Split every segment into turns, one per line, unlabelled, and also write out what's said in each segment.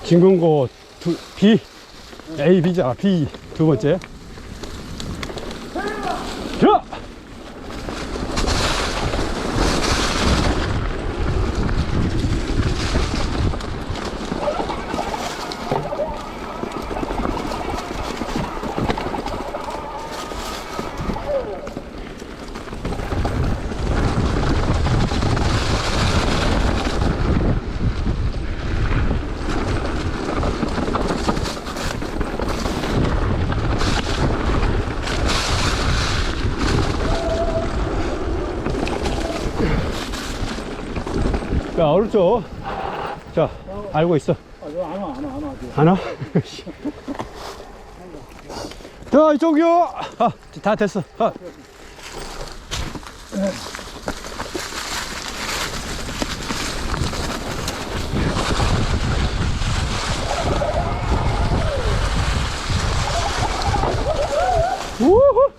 진금고 B, A, B자, B 두 번째. 자! 자, 오른쪽. 자, 알고 있어. 안 와? 자, 이쪽이요. 아, 다 됐어. 아. 우후.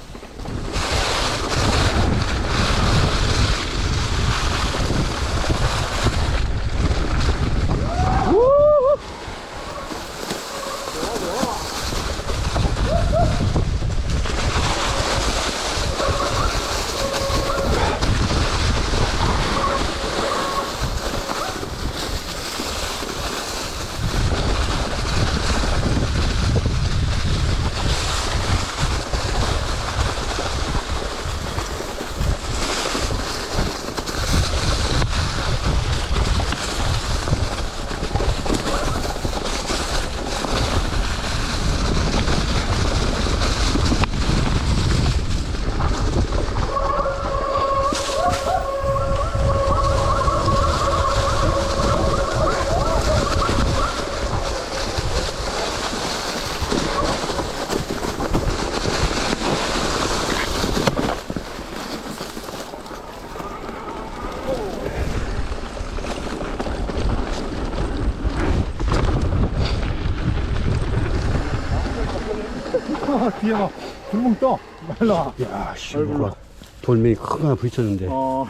뒤에 막 불멍 떠. 말라.
야, 씨, 뭐가 돌멩이 큰 거 하나 부딪혔는데.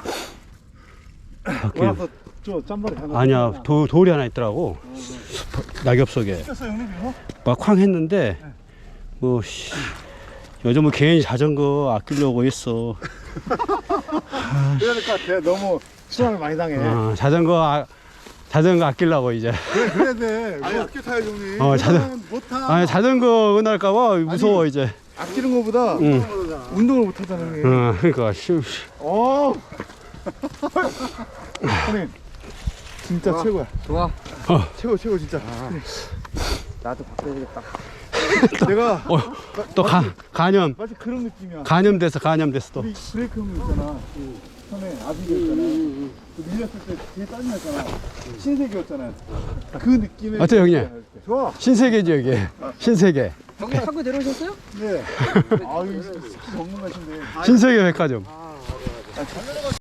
밖에.
와서 저 짬바리 하나.
아니야, 돌이 하나 있더라고. 낙엽 속에.
쳤어 형님 이거?
막 쾅 했는데, 뭐, 씨. 요즘 뭐 개인 자전거 아끼려고 했어.
그러니까 걔 너무 수상을 많이 당해.
자전거 아끼려고 이제.
그래야 돼. 아니 아껴 타야지 형님. 못 타.
아니, 자전거 은할까봐 무서워,
아니,
이제.
아끼는 거보다 운동을 못 하잖아 형님.
그러니까.
형님 진짜
좋아.
최고야.
좋아.
최고 진짜.
나도 바꿔야겠다.
내가
또 간염.
마치 그런 느낌이야.
감염됐어 또.
우리 브레이크 형님 있잖아. 그 처음에 아비가 있잖아. 그 밀렸을 때 뒤에 짜증났잖아. 신세계였잖아. 그 느낌의.
어때요, 형님?
좋아.
신세계지, 여기. 신세계.
형님 한국 내려오셨어요?
네. 아유 스키 전문 가신데.
신세계 백화점.